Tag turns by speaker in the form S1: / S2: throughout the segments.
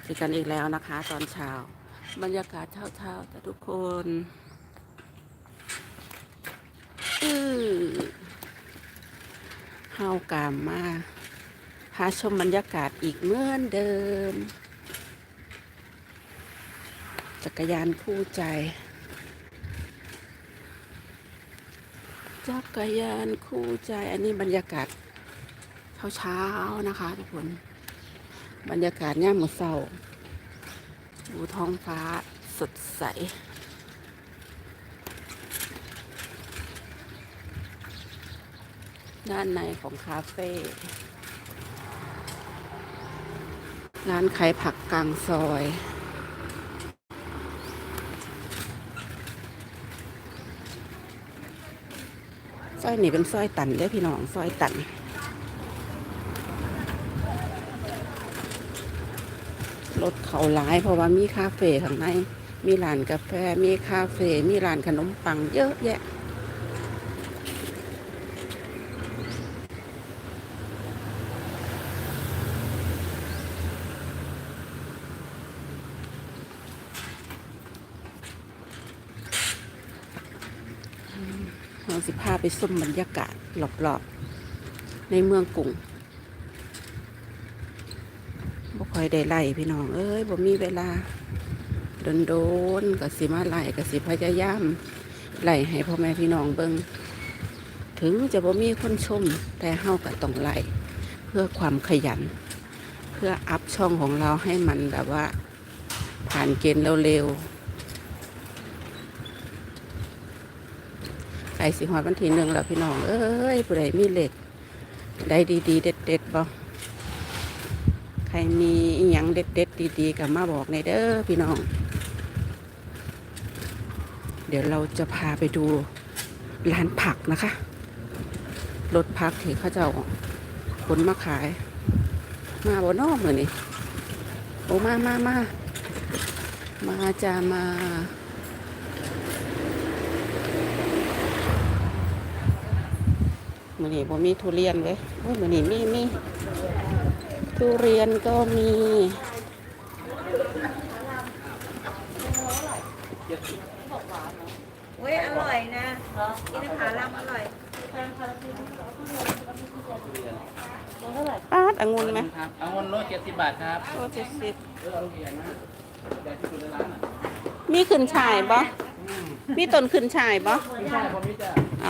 S1: เจอกันอีกแล้วนะคะตอนเช้าบรรยากาศเช้าๆแต่ทุกคนเฮากามมาพาชมบรรยากาศอีกเหมือนเดิมจักรยานคู่ใจจักรยานคู่ใจอันนี้บรรยากาศเช้าๆนะคะทุกคนบรรยากาศย่ามมื้อเช้าดูท้องฟ้าสดใสด้านในของคาเฟ่ร้านขายผักกลางซอยซอยนี่เป็นซอยตันเด้อพี่น้องซอยตันรถเขาหลายเพราะว่ามีคาเฟ่ข้างในมีร้านกาแฟมีคาเฟ่มีร้านขนมปังเยอะแยะเราสิพาไปชมบรรยากาศรอบๆในเมืองกรุงบ่ค่อยได้ไล่พี่น้องเอ้ยบ่มีเวลาโดนๆก็สิมาไล่ก็สิพยายามไล่ให้พ่อแม่พี่น้องเบิ่งถึงจะบ่มีคนชมแต่เฮาก็ต้องไล่เพื่อความขยันเพื่ออัพช่องของเราให้มันแบบว่าผ่านเกณฑ์เร็วๆใกล้สิฮอดวันที่1แล้วพี่น้องเอ้ยผู้ใดมีเลขได้ดีๆเด็ดๆบ่ใครมีอีหยังเด็ดๆดีๆก็มาบอกในเด้อพี่น้องเดี๋ยวเราจะพาไปดูร้านผักนะคะรถผักที่เขาจะเอาขนมาขายมาบ่นอกเลยนี่โอ้มาจะมามื้อนี้บ่มีทุเรียนเว้ยโอ้ยมื้อนี้มีทุเรียนก็มี
S2: เว้ยอร่อยนะกินขาลัมอร่อย
S1: ปาดองุ่นไหม
S3: ครับองุ่นโล70 บาทครับ
S1: โล70
S3: ลูกใหญ่มากใหญ่ที่สุดในร้านอ่ะ
S1: มีขึ้นฉ่ายบ่มีต้นขึ้นฉ่ายบ่
S3: ไม่ใช่ผมนี่จะ
S1: เอา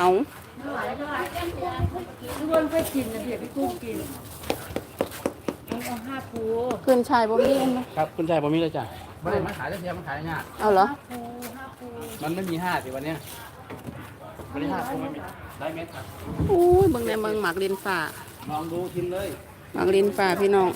S2: ทุกคนไปกินนะเดี๋ยวพี่กุ้งกินเอา5 ภู
S1: ขึ้นฉ่ายบ่มีอันไหม
S3: ครับคุณชายผมนี่เลยจ้ะไม่ได้มาขายได้เพียงมันขายง่าย
S1: เอาเหรอ
S2: 5 ภู
S3: มันไม่มี5สิวันเนี้ยวันนี้5คงไม่มีได้เม็ดครับ
S1: อู้ยเบิ่งในเมืองหมากลินฟ้า
S3: ลองดูชิมเลย
S1: หมากลินฟ้าพี่น้อง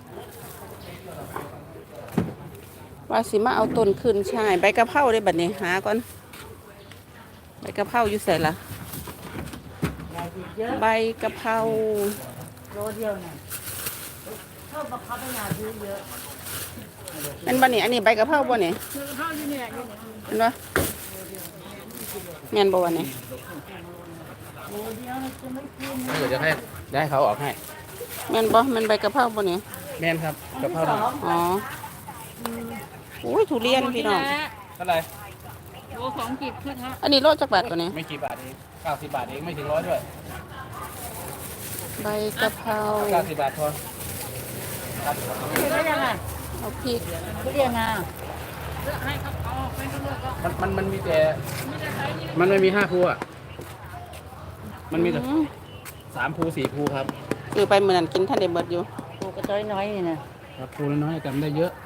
S1: ว่าสิมาเอาต้นขึ้นฉ่ายใบกะเพราได้บัดนี้หาก่อนใบกะเพราอยู่ไสล่ะ
S2: ใหญ่เยอะ
S1: ใบกะเพรา
S2: โลเดียวน่ะชอบบังคับให้ยาซื้อเยอะ
S1: เป็นบ่นี่อันนี้ใบกะเพราบ่นี่
S2: คือข้าวนี่เนี่ยอยู่เนี่ย
S1: เห็นบ่แม่นบ่วะนี่
S2: โลเดียวจะไม่กิน
S3: เดี๋ยวจะให้ได้เขาออกให้
S1: แม่นบ่แม่นใบกะเพราบ่นี่
S3: แม่นครับกะเพราดำ
S1: อ๋ออุ้ยทุเรียนพี่น้อง
S3: เท่าไหร่
S2: โล2 กิบขึ้นฮะ
S1: อันนี้โลจักบาทตัวนี้
S3: ไม่กี่บาทเอง90 บาทเองไม่ถึง100ด้วย
S1: ใบกะเพรา
S3: 90 บาทพอ
S2: ได้ยังไง
S1: เอาพริก
S2: ทุเรียนงา
S3: มันมีแต่มันไม่มี5ภูอ่ะมันมีแต่3ภู4ภูครับ
S1: ซื้อไปมื้อนั้นกินท่านได้เบิดอยู่
S2: ปลูกกระต้อยน้อยนี่นะครับ
S3: ภูน้อยๆจำได้เยอะ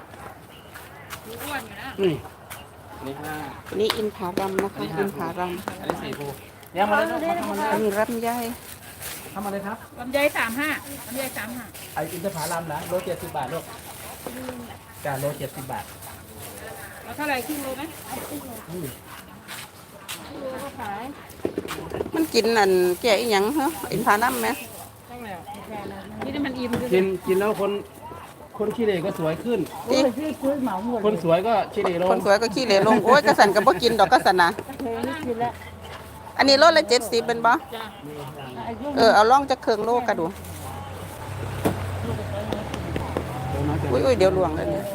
S3: นี่นี่5
S1: อันนี้อินผารัมนะคะอินผารัม
S3: อันนี้4ภูเดี๋ยวมาเลยลูกทำมาเลย
S1: อันนี้ลำไย
S3: ทำมาเลยครับ
S2: ลำไย35ลำไย35
S3: ไออินทผลัมนะโล70 บาทลูกจ้าโล70 บาท
S2: เอาเท่าไหร่ครึ่งโลไหม
S3: อืม
S2: โลก็ขาย
S1: มันกินอันแก่อีหยังเหรออินผารัมไหม
S2: ตั้งแล้วนี่ได้มันอิ่มด้วย
S3: กินแล้วคนขี้เหร่ก็สวยขึ้น
S2: โอ้ยซื้อเหมาหมด
S3: คนสวยก็ขี้เหร่ล
S1: ค
S3: ง
S1: นสวยก็ขี้เหร่ลงโอ้ยกระสันก็บ่กินดอกกระสันนะ
S2: เคยไม่กินแล้ว
S1: อันนี้โลละ70เป็นบ่
S2: จ้ะไอ้ลูก
S1: เอาล่องจักเครื่องโลกระดู
S3: โลน้อยเกิน
S1: อุ้ยอุ้ยเดี๋ยวหลวงเลยเนี่ย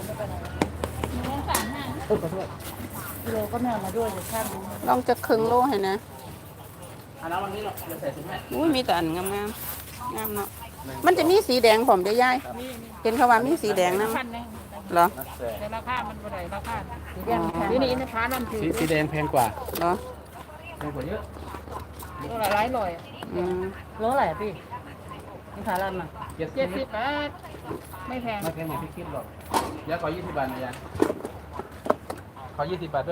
S3: ขอโทษ
S2: กิโลก็แม่มาด้วยจะช่าง
S1: ลองจะครึ่งโลให้นะ
S3: อันนั้นวันนี้เราจะใส่ถุงให้
S1: อุ้ยมีแต่อันงามงามงามเนาะมันจะมีสีแดงผมได้อยายเห็นเขาว่ามีสีแดงนะ
S2: พันหนึง
S1: เหรอ
S3: นักแส
S2: แต่ราคามันบ่ได้ราคาสีแดงแพงนี่นะพาน้ำถือ
S3: สีแดงแพงกว่า
S1: เหรอ
S3: แพงกว่าเยอะ
S2: ตัวละหลายร้อย
S1: อืม
S2: โลเท่าไหร่พี่นี่ขาลันอ่ะ
S3: 70
S2: บาทไม่แพง
S3: ไม่แพงอย่างที่คิดหรอกเดี๋ยวขอ20 บาทนะยายขอ20 บาทด้วย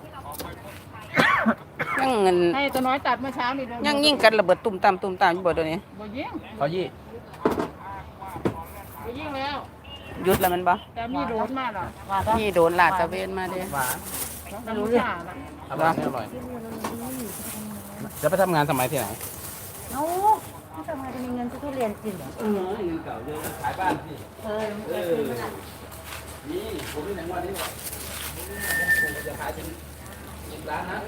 S1: ยังเงิน
S2: ให้ตัวน้อยตัดเมื่อเช้านี่
S1: ยังยิ่งกันระเบิดตุ่มตามอยู่บ่เดี๋ยวนี้
S2: บ่ยิง
S3: ขอยี่
S2: บ่ยิงแล้ว
S1: หยุดแล้วมันบ่
S2: แต่มีโดนมาหรอ
S1: นี่โดนลาดตระเวนมาเด้
S3: หวาน
S2: ไม่รู้เรื่อง
S3: อร่อยไม่อร่อยจะไปทำงานสมัยที่ไหน
S2: เอ้าทำไมจะมีเงินซื้อทุเรียนกินเหรอ
S3: เงินเก่าเยอะขายบ้านพี่
S2: เออ
S3: นี่ผมมีหนังวันนี้ว่ะผมจะขายถึง10 ล้านนะ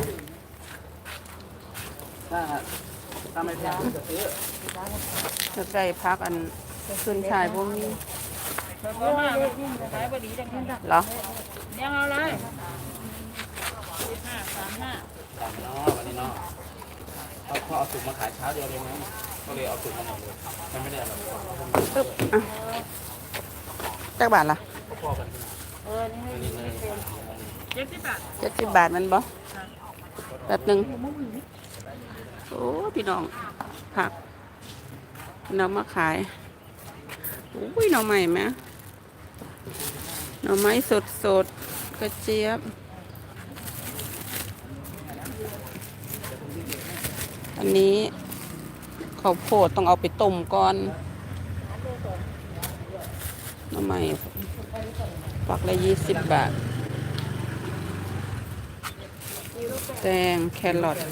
S3: ถ้าไม่แพงผมจะซื้อ
S1: จะใส่พักอันขึ้นชายพวกนี้
S2: เพราะว่าขายบ่ดีจังนั้น
S1: เหรอ
S2: เลี้ยงเอาเลย35 35
S3: สั่งเนาะวันนี้เนาะเขาเอาถุงมาขายเช้าเดียวเลยนะก็เลยเอาถุงมาหมดเลยมันไม่ได้อร่อย
S1: ปึ๊บอ่ะจักบาทล่ะ
S3: พอๆกัน
S2: เออนี่ให้70 บาท
S1: 70 บาทมันบ่แบบหนึงโอ้พี่น้องผักน้ำมาขายอุ้ยหน่อใหม่ไหมหน่อไม้สดๆกระเจี๊ยบอันนี้ข้าวโพดต้องเอาไปต้มก่อนหน่อไม้ฝักละ20 บาทแตงแครอท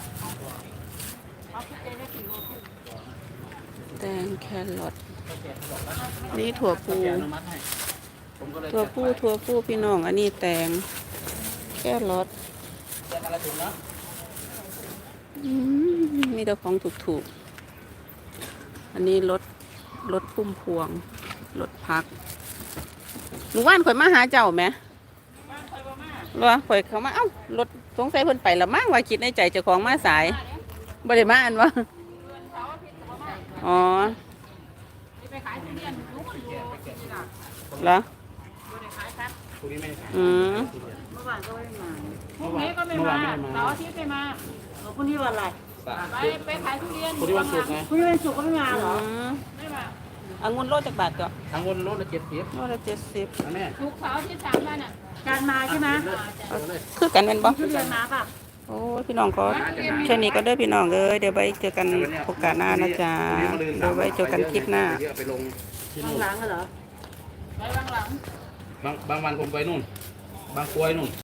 S1: แตงแครอทนี่ถั่วพู
S3: อนุมัติให้ผมก็เลย
S1: ถั่วพูพี่น้อง อันนี้แตงแครอท
S3: จะอะไรถุงเนาะ
S1: มีแต่ของถูกๆอันนี้รถพุ่มพวงรถพักหนูว่านข่อยมาหาเจ้าไหมรอข่อยเขามาเอ้ารถสงสัยเพิ่นไปละมั่งว่าคิดในใจเจ้าของมาสายบ่ได้มาอันวะอ๋อ
S2: ไปขายทุเรียนรู้มันอยู่ที่น่ะ
S1: เหรอ
S2: บ่ได้ขายครับ
S3: พรุ่งนี้ไม่ได้ขาย
S1: อืม
S2: เมื่อวานก็ไม่มาพรุ่งนี้ก็ไม่มาเสาร์อาทิตย์ไม่มาพรุ่งนี้วันอะไร ไปขายทุเรียน
S3: พรุ่งนี้วันศุกร์ไง
S2: พรุ่งนี้วันศุกร์ก็ไม่มาเหรอ ไม่มา
S1: องุ่นโลจักบาทก็
S3: ทั้งวนรถละ70
S1: โลละ70
S3: นะแม่
S2: ศุกร์เสาร์อาทิตย์3 วันอ่ะการมาใช่ไหม
S1: คือกันแม่นบ่
S2: ทุเรียนมาป่ะ
S1: โอ้ยพี่น้องก็แค่นี้ก็เด้อพี่น้องเอ้ยเดี๋ยวไว้เจอกันโอกาสหน้านะจ๊ะเดี๋ยวไว้เจอกันคลิปหน้า
S3: เยอะไปลงที่
S2: ข้า
S3: นู่
S2: ง
S3: น
S2: หลังเหรอไปข้างหลัง
S3: บางวันผมไปนู่น บางกรวยนู่น